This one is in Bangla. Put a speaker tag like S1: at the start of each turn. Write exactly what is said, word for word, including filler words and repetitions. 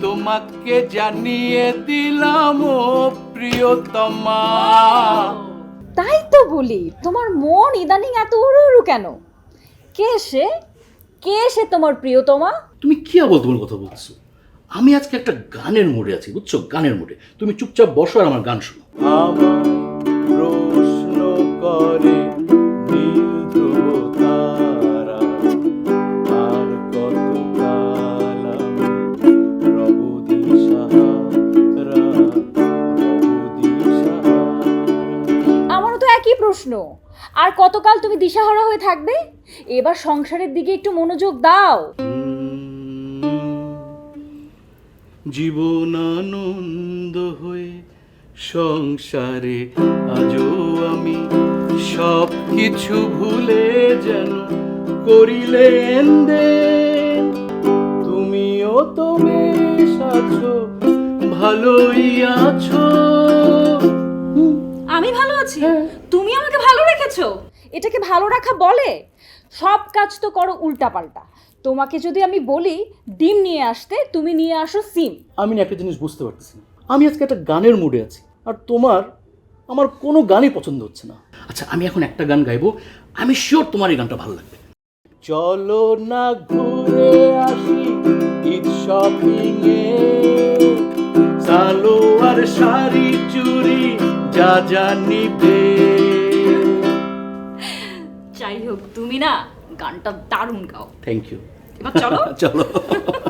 S1: তোমাকে জানিয়ে দিলাম ও প্রিয়তমা।
S2: তাই তো বলি, তোমার মন ইদানিং এত উড়ু উড়ু কেন? কে সে? কে সে তোমার প্রিয়তমা?
S3: তুমি কি আবল তোমার কথা বলছো? আমি আজকে একটা গানের মুডে আছি, বুঝছো? গানের মুডে। তুমি চুপচাপ বসো আর আমার গান শোনো।
S1: আমার প্রশ্ন করে নীল ধ্রুব তারা, আর কত কাল আমি রব দিশাহারা, রব দিশাহারা।
S2: আমারও তো একই প্রশ্ন। আর কতকাল তুমি দিশাহারা হয়ে থাকবে? এবার সংসারের দিকে একটু মনোযোগ দাও।
S1: জীবন আনন্দ হয়ে সংসারে আজও আমি সব কিছু ভুলে যেন করিলেন দেন। তুমিও তো বেশ আছো, ভালোই আছো।
S2: আমি ভালো আছি, তুমি আমাকে ভালো রেখেছো। এটাকে ভালো রাখা বলে? সব কাজ তো করো উল্টাপাল্টা। তোমাকে যদি আমি বলি ডিম নিয়ে আসতে, তুমি নিয়ে আসো সিম।
S3: আমি না একটা জিনিস বুঝতে পারতেছি না। আমি আজকে একটা গানের মুডে আছি, আর তোমার আমার কোনো গানই পছন্দ হচ্ছে না। আচ্ছা, আমি এখন একটা গান গাইবো, আমি শিওর তোমার এই গানটা ভালো লাগবে।
S1: চলো না ঘুরে আসি ঈদ শপিং এ, সালোয়ার শাড়ি চুড়ি যা যা নিবে।
S2: যাই হোক, তুমি না গানটা দারুণ গাও।
S3: Thank you.
S2: এবার চলো।
S3: চলো।